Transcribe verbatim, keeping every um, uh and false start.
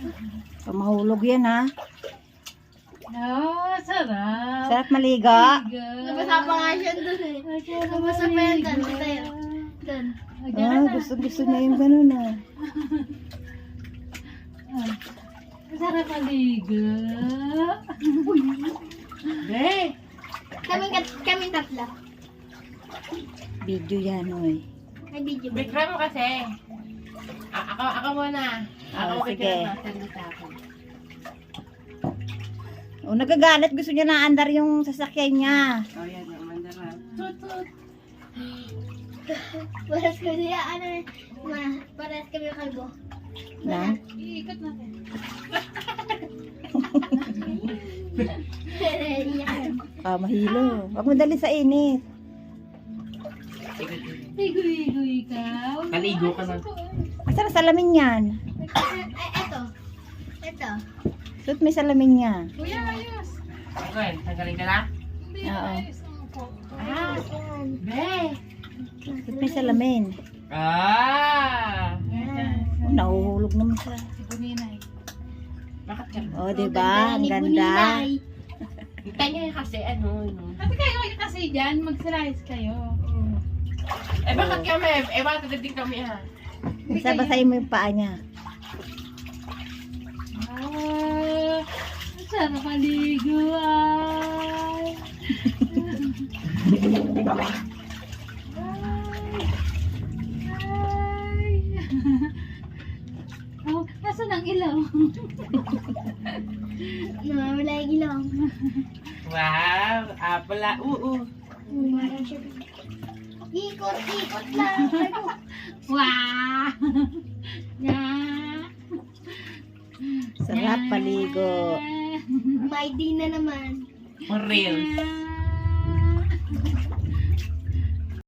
Pamahulog yan ha. Oh, sarap. Sarap maligo. Nabasa pa nga siya doon eh. Nabasa pa yan doon. Tayo. Doon. Ah, gusto gusto niya yung ganun ah. Sarap maligo. Be! Kami, kami tatlo. Video yan oy. May video ba? Bikram mo kasi. A- ako, ako muna. Ako Ah, sige. sige. Sa akin. O nagagalit, gusto niya na andar yung sasakyan niya. Oh, yan. Ang mandaran. Tut, tut. Paras ko siya, ano, ma, paras kami kalbo. Na? Iikot natin. Yan. Ah, mahilo. Huwag mo dali sa init. Ligo-ligo ikaw. Naligo ka na. Asa na salamin yan? Ay, eto. Eto. Suot may salamin niya. Kuya, ayos. Okay, tanggalin ka na? Hindi, Oo. ayos. Ang po. Ah! Be! Suot may salamin. Ah! Oh, nahuhulog naman siya. Si Buninay. Bakit ka? Oh, diba? Ang Ni ganda. Buninay. Kita niya kasi ano, no? Sabi kayo kasi dyan, mag-slice kayo. Eh, bakit kami? Eh, bakit din kami, ha? Basa-basahin mo yung paa niya. Ah, ang sarap maligo ay. Ay. Oh, nasa ng ilaw? Nawawala yung ilaw. Wow! Apala, oo. Parang siya. Ikot, ikot lang. Wow! Yeah. Sarap paligo. May din na naman. For real. Yeah.